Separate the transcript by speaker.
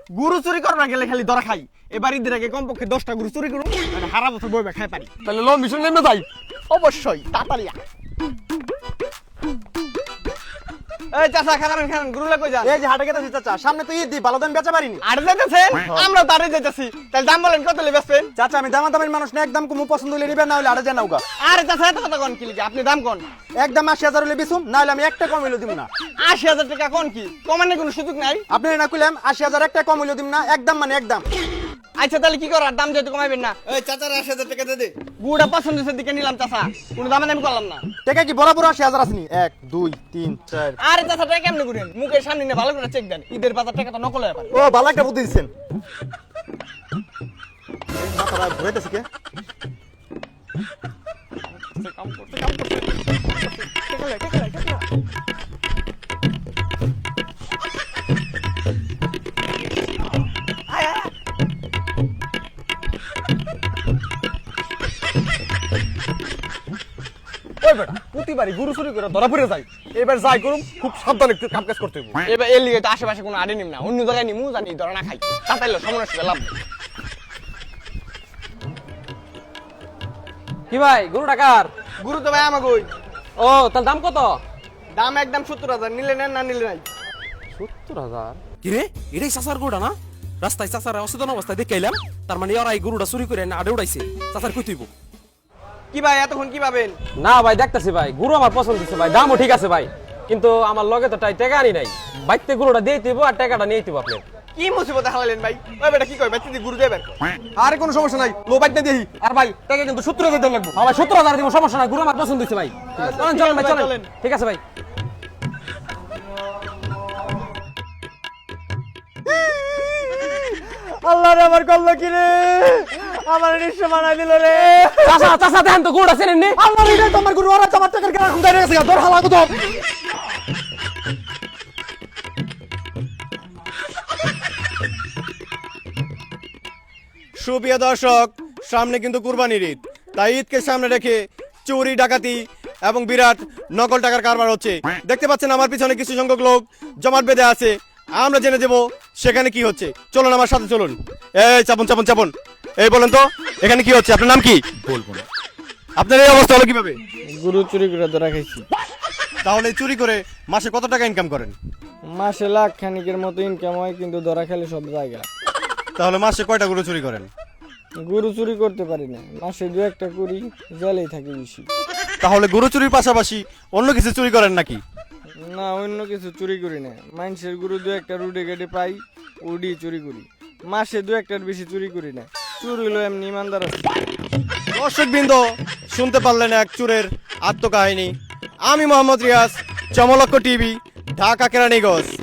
Speaker 1: গরু চুরি করবার গেলে খালি ধরা খাই। এবার ঈদের আগে কমপক্ষে 10টা গরু চুরি করুন, মানে সারা বছর বইবে খাই পারি।
Speaker 2: তাহলে লো মিশন নেমে যাই।
Speaker 1: অবশ্যই তাড়াতাড়ি আয়। এই চাচা খান গরুলা কই যান?
Speaker 2: এই যে হাটে গেতেছি চাচা, সামনে তো ঈদ দি, ভালো দাম বেচা পারিনি।
Speaker 1: আরে যাইতেছেন? আমরা তো আরে যাইতেছি। তাহলে দাম বলেন কত লে বেচবেন?
Speaker 2: চাচা আমি দামাদামের মানুষ না, একদম কুমু পছন্দ হইলে নিবেন, না হইলে আড়ে যান নৌকা।
Speaker 1: আরে চাচা এত কথা কোন কি লিখে? আপনি দাম কোন?
Speaker 2: একদম 80,000 হইলে বেচুম, না হইলে আমি একটা কম হইলে দিব না।
Speaker 1: 80,000 টাকা কোন কি? কমানোর কোনো সুযোগ নাই?
Speaker 2: আপনি না কইলাম 80,000 একটা কম হইলে দিব না, একদম মানে একদম।
Speaker 1: আচ্ছা তাহলে কি করার? দাম যেহেতু কমাইবেন না।
Speaker 2: এই চাচার 80,000 টাকা দে দে।
Speaker 1: গুড়া পছন্দের দিকে নিলাম চাচা, কোনো দামে দামি করলাম না।
Speaker 2: টাকা কি বরাবর 80,000 আসনি? 1 2 3 4।
Speaker 1: আরে চাচা টাকা কেমনে করেন? মুখের সামনে নিয়ে ভালো করে চেক দেন, ঈদের বাজার টাকা তো নকল হয়ে পারে।
Speaker 2: ও ভালো একটা বুদ্ধি দিচ্ছেন। মাথাটা ঘুরাইতেছে কে?
Speaker 1: কাম করতে টাকা আয় আয়।
Speaker 2: ওই বেটা প্রতিবারই গরু চুরি করে ধরা পড়ে যায়, এবার যাই করুম খুব সাবধানে কাম কাজ করতে হবে।
Speaker 1: এবার এর লিগে তো আশেপাশে কোনো আড়ে নিম না, অন্য জায়গায় নিমু, জানি ধরা না খাই। তাতাইলো সমস্যা লাভ নেই।
Speaker 3: কি ভাই গরু টাকার?
Speaker 1: গুরু তো ভাই আমাকে ওই
Speaker 3: ও তার দাম কত?
Speaker 1: দাম একদম 70,000, নিলে নেন না নিলে নাই।
Speaker 3: 70,000?
Speaker 4: কিরে এটাই চাচার গরুটা না? রাস্তায় চাচার অচেতন অবস্থায় দেখে এলাম, তার মানে ওরা এই গরুটা চুরি করে না আড়ে উড়াইছে। চাচার কই তুইব?
Speaker 1: কি ভাই এতক্ষণ কি পাবেন?
Speaker 3: না ভাই দেখতেছি ভাই, গরু আমার পছন্দ হচ্ছে ভাই, দামও ঠিক আছে ভাই, কিন্তু আমার লগে তো টাকা আনি নাই। বাইতে গরুটা দিয়ে দিব আর টাকাটা নিয়ে দিব আপনি।
Speaker 1: কি মুসিবত হালালেন ভাই? ওই বেটা কি কই ভাই, তুই গুরু দেবেন?
Speaker 2: আরে কোনো সমস্যা নাই, লো বাইক না দেই।
Speaker 3: আর ভাই টাকা কিন্তু 70,000 দেন লাগবে। ভাই 70,000 দিব, সমস্যা নাই, গরু আমার পছন্দ হচ্ছে ভাই। চলেন চলেন ভাই চলেন। ঠিক আছে ভাই।
Speaker 1: আল্লাহ রে আমার কল্লো কি রে, আমার নিঃস্ব বানাই দিল রে।
Speaker 3: চাচা চাচা দেখেন তো গরুটা চেনেন নি?
Speaker 2: আল্লাহ রে তোমার গরু ওরা তোমার টাকার কেনা খুঁজে রেখেছে, ধর হালা কত। সুপ্রিয় দর্শক, সামনে কিন্তু কুরবানির ঈদ, তাই ঈদকে সামনে রেখে চুরি ডাকাতি এবং বিরাট নকল টাকার কারবার হচ্ছে। দেখতে পাচ্ছেন আমার পিছনে কিছু সংখ্যক লোক জমাট বেঁধে আছে, আমরা জেনে দেব সেখানে কি হচ্ছে। চলুন আমার সাথে চলুন। এই চাপন চাপন চাপন, এই বলেন তো এখানে কি হচ্ছে? আপনার নাম কি? বলবো না। আপনার এই অবস্থা হলো কিভাবে?
Speaker 1: গুরু চুরি করে ধরা খাইছি।
Speaker 2: তাহলে চুরি করে মাসে কত টাকা ইনকাম করেন?
Speaker 1: মাসে লাখ খানিকের মতো ইনকাম হয়, কিন্তু ধরা খেলে সব জায়গা।
Speaker 2: তাহলে মাসে কয়টা গরু চুরি করেন?
Speaker 1: গরু চুরি করতে পারি না, মাসে 2-1টা করি, জেলেই থাকি বেশি।
Speaker 2: তাহলে গরু চুরির পাশাপাশি অন্য কিছু চুরি করেন নাকি?
Speaker 1: না অন্য কিছু চুরি করি না, মানুষের গরু 2-1টা রুডে গেটে পাই, উডি চুরি করি। মাসে 2-1টার বেশি চুরি করি না, চুরি হলো এমনি ইমানদার আছে।
Speaker 2: দর্শকবৃন্দ, শুনতে পারলেন এক চোরের আত্মকাহিনী। আমি মোহাম্মদ রিয়াজ, চমলক্ষ টিভি, ঢাকা কেরানীগঞ্জ।